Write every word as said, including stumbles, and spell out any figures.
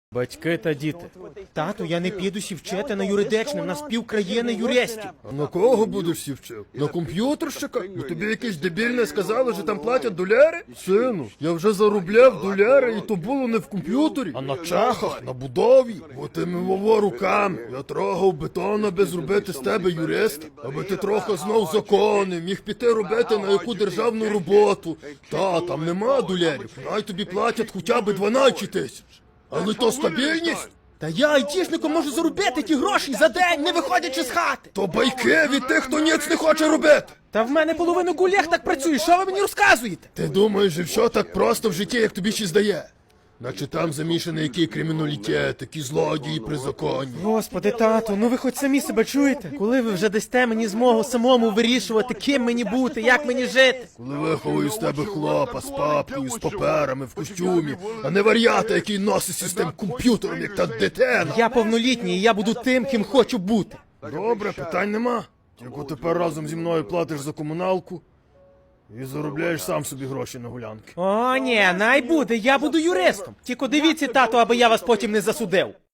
Батьки та діти. Тату, я не піду сі вчити на юридичне, в нас півкраїни юристів. А на кого будеш сі вчив? На комп'ютерщика? Ну тобі якесь дебільне сказали, що там платять доляри? Сину, я вже заробляв доляри, і то було не в комп'ютері, а на чехах, на будові. Бо тими вово руками. Я трогав бетон, аби зробити з тебе юриста. Аби ти трохи знав закони, міг піти робити на яку державну роботу. Та, там нема долярів. Най тобі платять хоча б дванадцять тисяч. Але то стабільність? Та я айтішником можу заробити ті гроші за день, не виходячи з хати. То байки від тих, хто ніц не хоче робити. Та в мене половину колег так працює, що ви мені розказуєте? Ти думаєш, що все так просто в житті, як тобі ще здає? Наче там замішаний який криміналітет, які злодії при законі. Господи, тату, ну ви хоч самі себе чуєте? Коли ви вже дасте мені змогу самому вирішувати, ким мені бути, як мені жити? Коли виховую з тебе хлопа з папкою, з паперами, в костюмі, а не вар'ята, який носиться з тим комп'ютером, як та дитина. Я повнолітній, і я буду тим, ким хочу бути. Добре, питань нема. Тільки тепер разом зі мною платиш за комуналку і заробляєш сам собі гроші на гулянки. О, ні, най буде, я буду юристом. Тільки дивіться, тату, аби я вас потім не засудив.